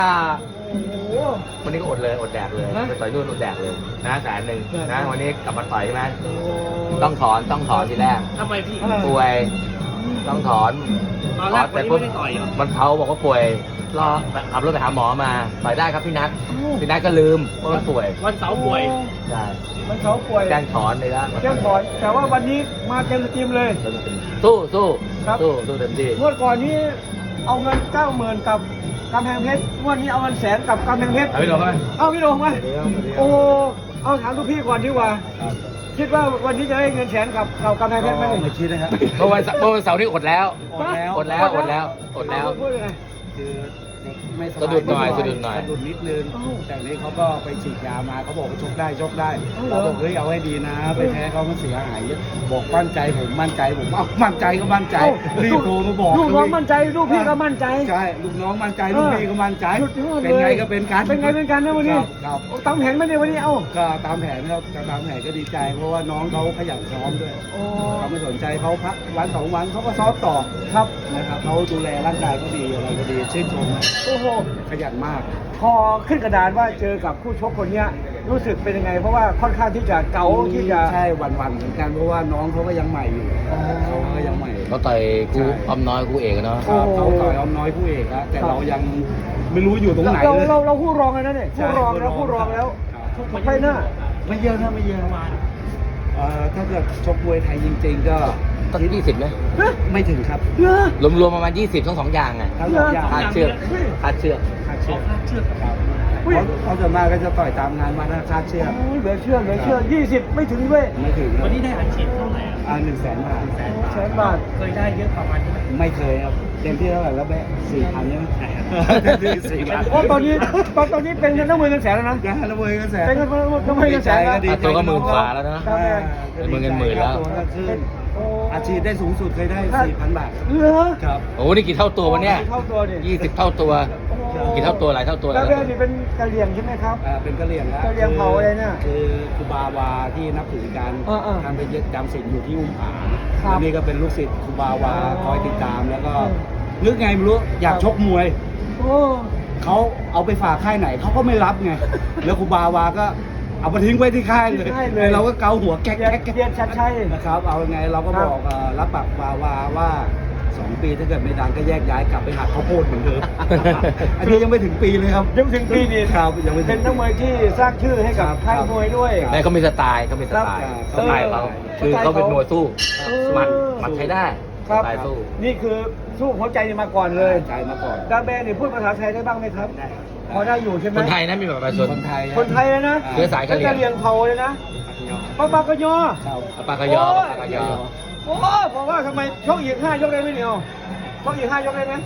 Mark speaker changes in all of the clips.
Speaker 1: โอ้โห
Speaker 2: วันนี้ก็อดเลยอดแดกเลยไปต่อยนู่นอดแดกเลยนะ100,000นะวันนี้กลับมาต่อยใช่ไหมต้องถอนทีแรก
Speaker 3: ทำไมพี่
Speaker 2: ป่วยต้องถอน
Speaker 3: ตอนแรกวันนี้ไม่ได้ต่อยเหรอ
Speaker 2: มันเขาบอกว่าป่วยรอขับรถไปหาหมอมาต่อยได้ครับพี่นัทก็ลืมว่ามันป่วย
Speaker 3: วันเสาร์ป่วย
Speaker 2: ใช่
Speaker 1: มันเขาป่วย
Speaker 2: แจ้งถอนเลยแล้ว
Speaker 1: แจ้งถอน แต่ว่าวันนี้มาเต็มสตรีมเลย
Speaker 2: สู้
Speaker 1: ครับ
Speaker 2: สู้เต็มที่
Speaker 1: งวดก่อนนี้เอาเงิน90,000กับกำแพงเพชรงวดนี้เอาเงิน100,000กับกำแพงเพชร
Speaker 2: เอาพี่โดนไหม
Speaker 1: เอาพี่โดงมาโอ้เอาถามทุกพี่ก่อนดีกว่าคิดว่าวันนี้จะได้เงิน100,000กับกำแพงเพชรไหม
Speaker 4: ไม่คิดนะครับ
Speaker 2: เมื่อวันเสาร์นี่อดแล้ว อดแล้ว
Speaker 1: พูดยังไง
Speaker 4: คือไม่สบาย
Speaker 2: สะดุดหน่อย
Speaker 4: สะดุดนิดนึง แต่นี้เขาก็ไปฉีดยามาเขาบอกว่าชกได้เราบอกเฮ้ยเอาให้ดีนะ ไปแพ้เขามันเสียหายเยอะบอกมั่นใจผมเอามั่นใจก็มั่นใจรีบโทรมาบอก
Speaker 1: ลูกน้องมั่นใจลูกพี่ก็มั่นใจ
Speaker 4: ใช่ลูกน้องมั่นใจลูกพี่ก็มั่นใจ
Speaker 1: สุดยอดเลย
Speaker 4: เป็นไงก็เป็นกัน
Speaker 1: เป็นไงเป็นกันนะวันนี้
Speaker 4: ครับ
Speaker 1: ตามแผนไม่ได้วันนี้เอ้า
Speaker 4: ก็ตามแผนครับตามแผนก็ดีใจ เพราะว่าน้องเขาขยันซ้อมด้วย
Speaker 1: โอ้
Speaker 4: เขาไม่สนใจเขาพักวันสองวันเขาก็ซ้อมต่อ
Speaker 1: ครับ
Speaker 4: นะครับเขาดูแลร่างกายก็ดีอะไรก็ดีชื่นชมนะ
Speaker 1: โอ้โห
Speaker 4: ขยันมาก
Speaker 1: พอขึ้นกระดานว่าเจอกับคู่ชกคนเนี้ยรู้สึกเป็นยังไง เพราะว่าค่อนข้างที่จะเก๋าที่จะ
Speaker 4: ใช่วันๆเหมือนกันเพราะว่าน้องเขาก็ยังใหม่อยู่เขาก็ยังใหม่
Speaker 2: เขาต่อยกูอ้อมน้อยกูเอกเนาะ
Speaker 4: ครับเขาต่อยอ้อมน้อยผู้เอกแล้วแต่เรายังไม่รู้อยู่ตรงไหนเลย
Speaker 1: เราคู่รองเลยนะเนี่ยคู่รองแล้วคู่รองแล้วไฟหน้า
Speaker 4: ไม่เยอะนะไม่เยอะถ้าเกิดชกมวยไทยจริงๆก็
Speaker 2: ตั้ง20ไหม
Speaker 4: ไม่ถึงครับ
Speaker 1: เยอะ
Speaker 2: รวมๆประมาณ20ทั้ง2อย่างอ่ะ
Speaker 4: ทั้งสองอย่าง
Speaker 2: คาดเชือก
Speaker 4: คาดเชือกครับเขาส่วนมากก็จะต่อยตามงานมาคาดเชือก
Speaker 1: เหลือเชื่อ20ไม่ถึงด้วย
Speaker 4: ไม่ถึง
Speaker 3: วันนี้ได้อัดฉีดเท่าไหร่อะ
Speaker 4: 100,000 บาท
Speaker 1: 100,000 บาท
Speaker 3: เคยได้เยอะประมาณนี้ไหม
Speaker 4: ไม่เคยครับเต็มที่เท่าไหร่แล้วแบะ4,000ใช่ไหมเต็มที่4,000
Speaker 1: โอ้ตอนนี้เป็นเงิน100,000แล้วนะ
Speaker 4: นะแล้วมวยก็แสน
Speaker 1: เป็นเงิน100,000แล้ว
Speaker 4: ดี
Speaker 2: ค่าตัวก็10,000 กว่าแล้วนะ
Speaker 1: ครับ
Speaker 2: เป็นเงินหมื่นแล้ว
Speaker 4: ตัวก็ขึ้นอาชีพได้สูงสุดเคยได้ 4,000 บาท
Speaker 1: เหรอ
Speaker 4: ครับ
Speaker 2: โอ้นี่กี่เท่าตัววะเนี่ย
Speaker 1: เท่าตัวดิ
Speaker 2: 20 เท่าตัว กี่เท่าตัวหลายเท่าตัว
Speaker 1: แล้วเรื่องนี้เป็นกะเหรี่ยงใช่ไหมครับ
Speaker 4: เป็นกะเหรี่ยงแล้ว
Speaker 1: กะเหรี่ยงเผาอะไรเนี่ย
Speaker 4: คือครูบาวาที่นับถือกัน
Speaker 1: ๆ
Speaker 4: ทำไปยึดจำศีลอยู่ที่อุ้มผาง
Speaker 1: ครับ
Speaker 4: แล้วนี่ก็เป็นลูกศิษย์ครูบาวาคอยติดตามแล้วก็นึกไงไม่รู้อยากชกมวย
Speaker 1: โอ้
Speaker 4: เขาเอาไปฝากค่ายไหนเขาก็ไม่รับไง แล้วครูบาวาก็เอามาทิ้งไว้ที่ค่ายเลยเราก็เกาหัวแก๊ก
Speaker 1: เรียนชัดชัย
Speaker 4: นะครับ เอาไงเราก็บอกรับปากบาวาว่า2 ปีถ้าเกิดไม่ดังก็แยกย้ายกลับไปหักข้าวโพดเหมือนเดิม อันนี้ยังไม่ถึงปีเลยครับ
Speaker 1: ยังถึงปีนี้
Speaker 4: ครับยังไม่
Speaker 1: เป็นนักมวยที่สร้างชื่อให้กับค่ายมวยด้วย
Speaker 2: แม่เขามีสไตล์เขามีสไตล์
Speaker 4: ครับ
Speaker 2: สไตล์เขาคือเขาเป็นมวยสู้หมัดใช้ได้
Speaker 1: ครับ
Speaker 2: สไตล์สู้
Speaker 1: นี่คือสู้หัวใจมาก่อนเลย
Speaker 4: ใจมาก่อน
Speaker 1: ดาแบนนี่พูดภาษาไทยได้บ้างไหมครับ
Speaker 4: ได้
Speaker 1: พอได้อยู่ใช่ไหม
Speaker 2: คนไทยนะมีแบบประชาชน
Speaker 4: คนไทย
Speaker 1: คนไทยเลยนะ
Speaker 2: เชื้อสายกะเหรี่ยง
Speaker 1: กะเหรี่ยงเผาเลยนะปะปากะยอ
Speaker 4: ครับ
Speaker 2: ปากกยอปากกยอ
Speaker 1: โอ้บอกว่าทำไมชกอีก5 ยกได้ไหมเนี่ยชกอีก5 ยกได้ไหม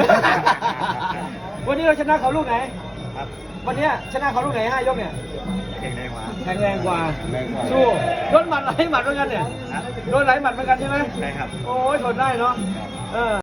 Speaker 1: วันนี้เราชนะเขาลูกไหน วันนี้ชนะเขาลูกไหน5 ยกเนี่ย แข็งแรงกว่า สู้โดนหมัดหลายหมัดเหมือนกันเนี่ย โดนหลายหมัดเหมือนกันใช่ไหม
Speaker 4: ใช่ครับ
Speaker 1: โอ้ยทนได้เนาะ